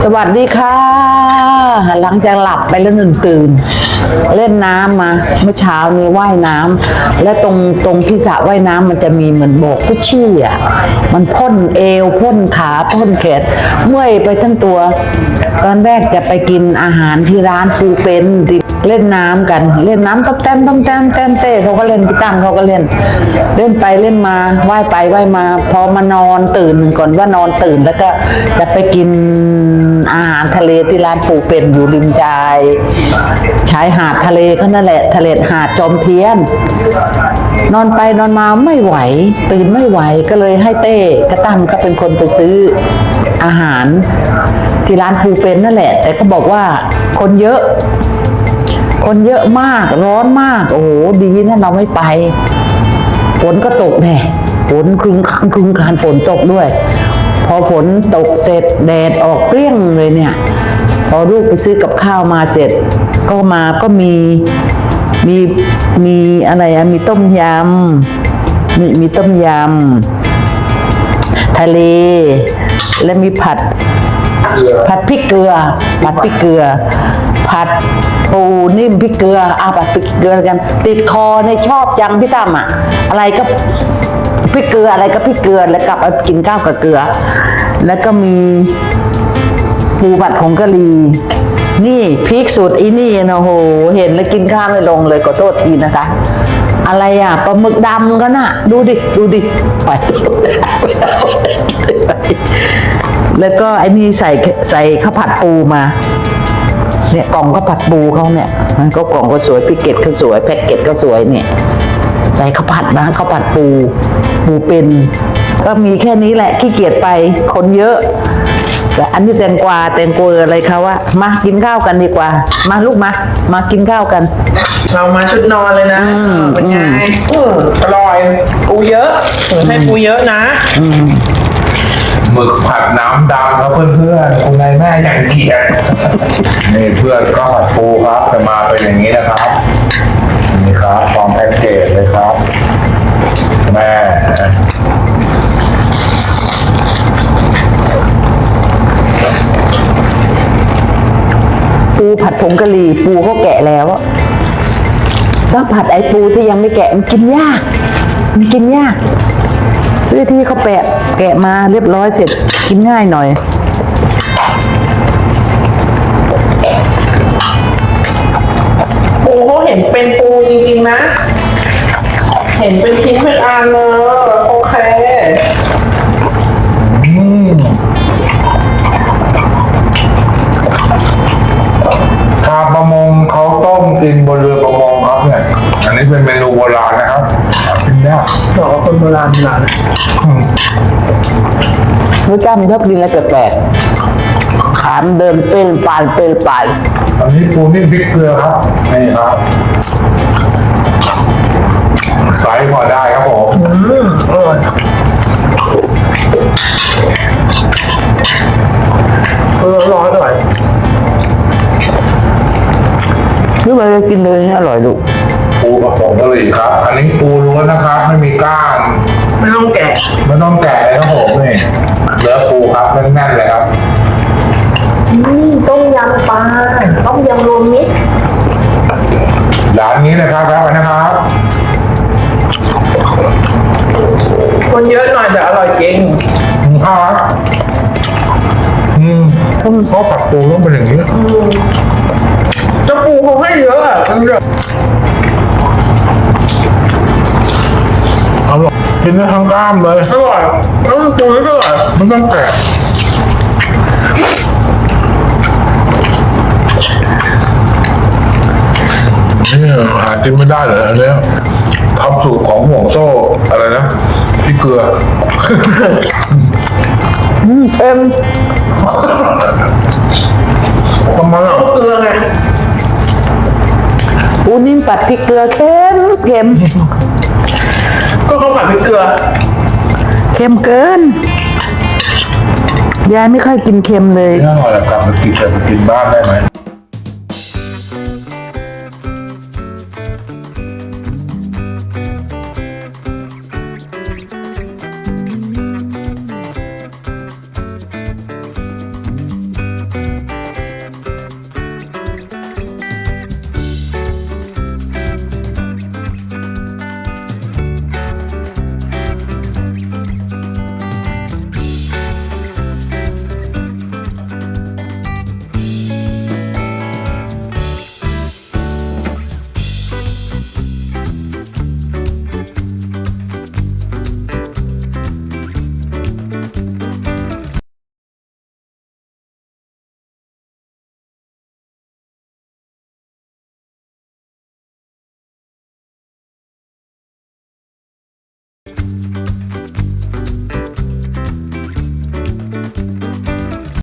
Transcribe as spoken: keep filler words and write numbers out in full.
สวัสดีค่ะหลังจากหลับไปแล้วหนึ่งตื่นเล่นน้ำมาเมื่อเช้านี้ว่ายน้ำและตรงตรงที่สระว่ายน้ำมันจะมีเหมือนโบกกุชชี่อ่ะมันพ่นเอวพ่นขาพ่นแขนเมื่อยไปทั้งตัวตอนแรกจะไปกินอาหารที่ร้านฟูเป็นเล่นน้ำกันเล่นน้ำต้มแต้มต้มแต้มแต้มเต้เขาก็เล่นพี่ตั้มเขาก็เล่นเล่นไปเล่นมาว่ายไปว่ายมาพอมานอนตื่นก่อนว่านอนตื่นแล้วก็จะไปกินอาหารทะเลที่ร้านปูเป็นอยู่ริมชายชายหาดทะเลก็นั่นแหละทะเลหาดจอมเทียนนอนไปนอนมาไม่ไหวตื่นไม่ไหวก็เลยให้เต้กระตั้มก็เป็นคนไปซื้ออาหารที่ร้านปูเป็นนั่นแหละแต่ก็บอกว่าคนเยอะคนเยอะมากร้อนมากโอ้โหดีนะเราไม่ไปฝนก็ตกแน่ฝนครึ้งครึ้งการฝนตกด้วยพอฝนตกเสร็จแดดออกเปรี้ยงเลยเนี่ยพอลูกไปซื้อกับข้าวมาเสร็จก็มาก็มีมีมีอะไรอะมีต้มยำมีมีต้มยำทะเลและมีผัดผัดพริกเกลือผัดพริกเกลือผัดปูนิ่มพริกเกลืออาผัดพริกเกลือกันติดคอในชอบจังพี่ตั้มอะอะไรก็พริกเกลืออะไรก็พริกเกลือแล้วกลับเอากินข้าวกับเกลือแล้วก็มีปูผัดผงกะหรี่นี่พริกสูตรอีนี่นะโหเห็นแล้วกินข้าวไม่ลงเลยขอโทษทีนะคะอะไรอ่ะปลาหมึกดำกันน่ะดูดิดูดิไปแล้วก็ไอ้นี่ใส่ใส่ข้าวผัดปูมาเนี่ยกล่องข้าวผัดปูเขาเนี่ยมันก็กล่องก็สวยพิเกตก็สวยแพ็กเกจก็สวยเนี่ยใส่ข้าวผัดนะข้าวผัดปูปูเป็นก็มีแค่นี้แหละขี้เกียจไปคนเยอะแต่อันนี้แตงกวาแตงกวาอะไรเขาว่ามากินข้าวกันดีกว่ามาลูกมามากินข้าวกันเรามาชุดนอนเลยนะเป็นไงอร่อยปูเยอะให้ปูเยอะนะหมึกผัดน้ำดำครับเพื่อนๆคุณนายแม่อย่างเกียดนี่เพื่อนก็ผัดปูครับจะมาเป็นอย่างนี้นะครับนี่ครับฟองแพ็กเกจเลยครับแม่ปูผัดผงกะหรี่ปูก็แกะแล้วก็ผัดไอปูที่ยังไม่แกะมันกินยากมันกินยากซื้อที่เขาแปะแกะมาเรียบร้อยเสร็จกินง่ายหน่อยปูเขาเห็นเป็นปูจริงๆนะเห็นเป็นชิ้นเป็นอันเลยโอเคอืมชาวประมงเขาต้มกินบนเรือประมงครับเนี่ยอันนี้เป็นเมนูโบราณนะครับกินยากบอกว่าคนโบราณโบราณรู้จ้ามันชอบกินอะไรแปลกๆขามเดินเป็นปานเป็นปานอันนี้ปูนิ่มพริกเกลือครับนี่ครับไซส์พอได้ครับผมอืมอร่อยเออร้อนอร่อยนี่มันจะกินเลยอร่อยลูกปูกับผงกะหรี่ครับอันนี้ปูล้วนนะครับไม่มีก้างไม่ต้องแกะไม่ต้องแกะเลยครับผมนี่เนื้อปูครับแน่นๆเลยครับต้มยำปลาต้มยำรวมมิตรร้านนี้นะครับครับนะครับคนเยอะหน่อยแต่อร่อยจริงข้าวครับอืมต้องก็ผัดปูต้องเป็นอย่างนี้จะปูเขาให้เยอะอ่ะมันเยอะอร่อยกินได้ทั้งกล้ามเลยอร่อยแล้วมันปูก็อร่อยไม่ต้องแกะนี่หากินไม่ได้เลยอันเนี้ยทำสูตรของห่วงโซ่อะไรนะพี่เกลืออืมเค็มทำไมอ่ะเกลือไงปูนิ่มผัดพริกเกลือเค็มเค็มก็เขาผัดพริกเกลือเค็มเกินยายไม่ค่อยกินเค็มเลยนี่อร่อยแบบกลับมากินแต่ไปกินบ้านได้ไหม